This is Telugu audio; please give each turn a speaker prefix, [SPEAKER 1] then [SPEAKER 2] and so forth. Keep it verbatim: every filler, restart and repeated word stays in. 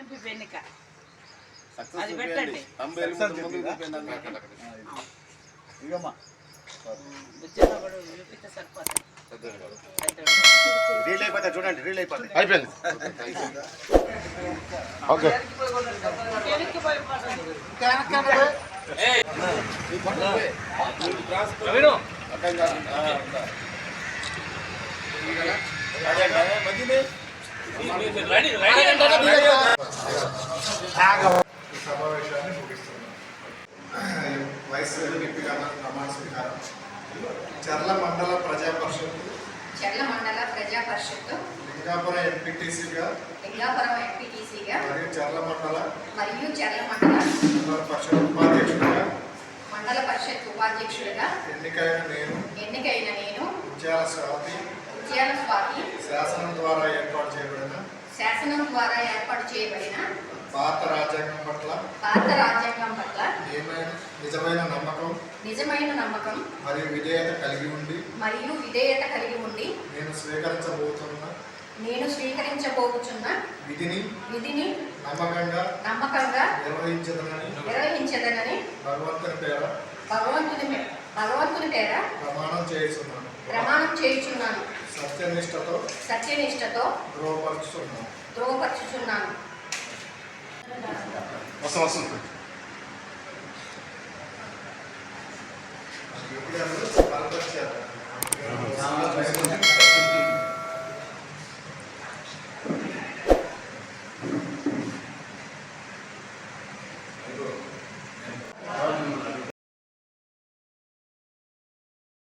[SPEAKER 1] చూపి పెన్నిక అది పెట్టండి.
[SPEAKER 2] ఇగమ్మా
[SPEAKER 1] బుజ్జమ్మ కూడా చూపిస్తే సరిపోతుంది.
[SPEAKER 2] రీల్ అయిపోతే చూడండి, రీల్ అయిపోతే
[SPEAKER 3] అయిపోయింది. ఓకే
[SPEAKER 4] సమావేశాన్ని ముగిస్తున్నాం. వైస్ ఎంపీగా ప్రమాణ స్వీకారం. చర్ల మండల ప్రజా పరిషత్
[SPEAKER 5] చర్ల మండల ప్రజా పరిషత్
[SPEAKER 4] లింగాపురం ఎంపీటీసీగా
[SPEAKER 5] లింగాపురం ఎంపీటీసీగా
[SPEAKER 4] మరియు చర్ల మండల
[SPEAKER 5] మరియు చర్ల మండల
[SPEAKER 4] మండల పరిషత్ ఉపాధ్యక్షుడిగా
[SPEAKER 5] మండల పరిషత్ ఉపాధ్యక్షుడిగా
[SPEAKER 4] ఎన్నికైన నేను
[SPEAKER 5] ఎన్నికైన నేను
[SPEAKER 4] ఉద్యాల స్వాతి
[SPEAKER 5] ఉద్యాల స్వాతి
[SPEAKER 4] శాసనం ద్వారా ఏర్పాటు చేయబడిన
[SPEAKER 5] శాసనం ద్వారా ఏర్పాటు చేయబడిన
[SPEAKER 4] భారత రాజ్యాంగం పట్ల
[SPEAKER 5] భారత రాజ్యాంగం పట్ల
[SPEAKER 4] నిజమైన నమ్మకం
[SPEAKER 5] నిజమైన నమ్మకం
[SPEAKER 4] మరియు విధేయత కలిగి ఉండి
[SPEAKER 5] మరియు విధేయత కలిగి ఉండి
[SPEAKER 4] నేను స్వీకరించబోతున్న
[SPEAKER 5] నేను స్వీకరించబోతున్న
[SPEAKER 4] విధిని
[SPEAKER 5] విధిని
[SPEAKER 4] నమ్మకంగా
[SPEAKER 5] నమ్మకంగా
[SPEAKER 4] నిర్వహించదనని
[SPEAKER 5] నిర్వహించదనని
[SPEAKER 4] భగవంతుని పేర
[SPEAKER 5] భగవంతుని మే- భగవంతుని పేర
[SPEAKER 4] ప్రమాణం చేస్తున్నాను.
[SPEAKER 5] ప్రమాణం చేయుచున్నాను.
[SPEAKER 4] సత్యనిష్టతో
[SPEAKER 5] సత్యనిష్టతో
[SPEAKER 4] ధృవపరుచుతున్నాను.
[SPEAKER 5] ధృవపరచుచున్నాను.
[SPEAKER 3] వస్తాం వస్తుంది